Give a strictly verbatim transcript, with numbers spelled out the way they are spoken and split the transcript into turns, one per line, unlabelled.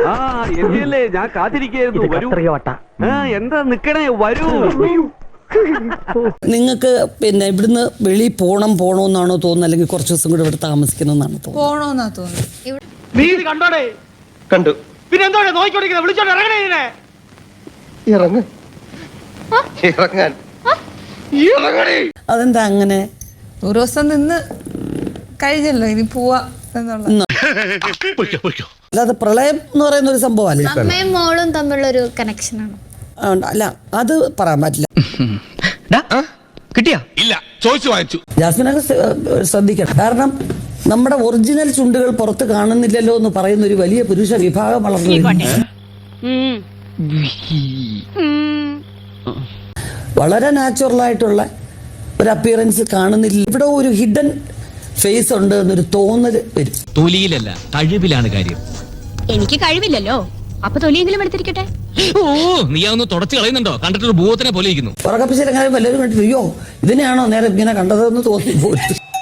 ആ എത്തിയല്ലേ, ഞാൻ കാത്തിരിക്കുന്നു. വരൂ. എന്താ നിക്കണേ, വരൂ.
നിങ്ങൾക്ക് പിന്നെ ഇവിടുന്ന് വെളി പോണം പോണോന്നാണോ തോന്നുന്നത്, അല്ലെങ്കിൽ കുറച്ച് ദിവസം കൂടെ ഇവിടെ താമസിക്കണമെന്നാണോ തോന്നുന്നത്?
പോണോന്നാ തോന്നുന്നു.
നീ ഇത് കണ്ടോടെ?
കണ്ടു.
പിന്നെ എന്തോടെ നോക്കിക്കൊണ്ടിരിക്കുന്നത്? വിളിച്ചോണ്ട് ഇറങ്ങണേ ഇതിനെ.
ഇറങ്ങ് ഇറങ്ങാൻ ഇറങ്ങണേ.
അതെന്താ അങ്ങനെ?
ഒരു ദിവസം നിന്ന് കഴിഞ്ഞല്ലോ, ഇനി പോവാ എന്നുള്ള.
അല്ലാതെ പ്രളയം എന്ന് പറയുന്ന ഒരു സംഭവം അല്ലേ?
അമ്മയും മോളും തമ്മിലുള്ള ഒരു കണക്ഷനാണ്.
അല്ല, അത് പറയാൻ പറ്റില്ല.
കിട്ടിയാ? ഇല്ല, ചോദിച്ചു വാങ്ങിച്ചു.
ജാസ്മിനൊക്കെ ശ്രദ്ധിക്കണം. കാരണം നമ്മുടെ ഒറിജിനൽ ചുണ്ടുകൾ പുറത്ത് കാണുന്നില്ലല്ലോ എന്ന് പറയുന്ന ഒരു വലിയ പുരുഷ വിഭാഗം വളർന്നു. വളരെ നാച്ചുറൽ ആയിട്ടുള്ള ഒരു അപ്പിയറൻസ് കാണുന്നില്ല. ഇവിടെ ഒരു ഹിഡൻ ഫേസ് ഉണ്ട് എന്നൊരു തോന്നൽ വരും.
തൊലിയിലല്ല, കഴിവിലാണ് കാര്യം.
എനിക്ക് കഴിവില്ലല്ലോ, അപ്പൊ തൊലിയെങ്കിലും എടുത്തിരിക്കട്ടെ.
ഓ, നീ അതൊന്ന് തുടച്ചു കളയുന്നുണ്ടോ? കണ്ടിട്ടൊരു ഭൂതത്തിനെ പോലെ ഇരിക്കുന്നു.
ഉറക്കപ്പിച്ചിലെങ്കിലും വല്ലവരും കണ്ടിട്ട് അയ്യോ ഇതിനെയാണോ നേരെ ഇങ്ങനെ കണ്ടതെന്ന് തോന്നി പോയിട്ട്